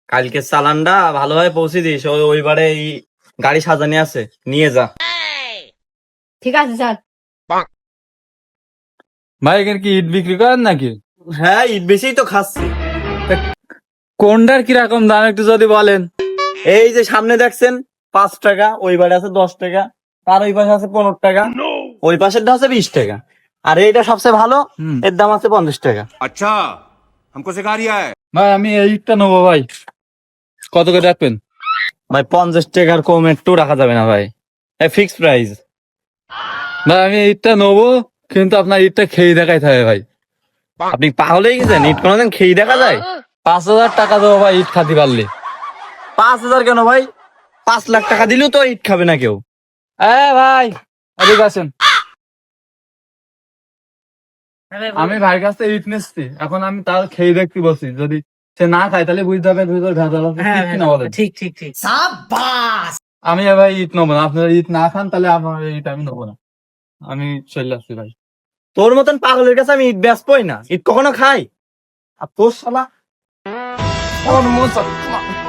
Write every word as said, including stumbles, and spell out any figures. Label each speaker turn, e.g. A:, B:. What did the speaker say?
A: কালকে চালানটা ভালোভাবে পৌঁছে দিস, ওই ওইবারে এই গাড়ি সাজানি আছে, নিয়ে যা।
B: ঠিক আছে স্যার।
C: ভাই এখানে কি ইট বিক্রি করেন নাকি?
A: হ্যাঁ, ইট বেশিই তো খাচ্ছি।
C: কোনটার কিরকম দাম একটু যদি বলেন।
A: এই যে সামনে দেখছেন পাঁচ টাকা, ওই বারে আছে দশ টাকা, তার ওই পাশে আছে পনেরো টাকা, ওই পাশেরটা আছে বিশ টাকা, আর এইটা সবচেয়ে ভালো,
C: হুম।
A: এর দাম আছে পঞ্চাশ টাকা।
D: अच्छा हमको सिखा रिया है।
C: ভাই আমি এই ইটটা নেবো ভাই, কত করে রাখবেন?
A: ভাই পঞ্চাশ টাকার কম একটু রাখা যাবে না ভাই, ফিক্স প্রাইস।
C: ভাই আমি এই ইটটা নেবো, কিন্তু আপনার ইটটা খেয়ে দেখাইতে হবে ভাই।
A: আপনি পাগল হয়ে গেছেন? ইট কোনোদিন খেয়ে দেখা যায়?
C: পাঁচ হাজার টাকা দেবো ভাই ইট খাতে পারলে।
A: পাঁচ হাজার কেন ভাই, পাঁচ লাখ টাকা দিলেও তো ইট খাবে না কেউ।
C: এ ভাই এদিকে আসেন, আমি ভাইয়ের কাছ থেকে ইট নিচ্ছি, এখন আমি তার খেয়ে দেখতে বলছি, যদি সে না খায় তাহলে বুঝতে হবে ভিতরে ভেজাল আছে,
B: হ্যাঁ,
C: ঠিক কিনা বলেন?
B: ঠিক ঠিক ঠিক।
C: আমি ভাই ইট নেবো না, আপনারা ইট না খান তাহলে আপনার ইট আমি নেবো না, আমি চলে আসছি ভাই।
A: তোর মতন পাগলের কাছে আমি ইট বেচবই না, ইট কখনো খাই? আর তোর শালা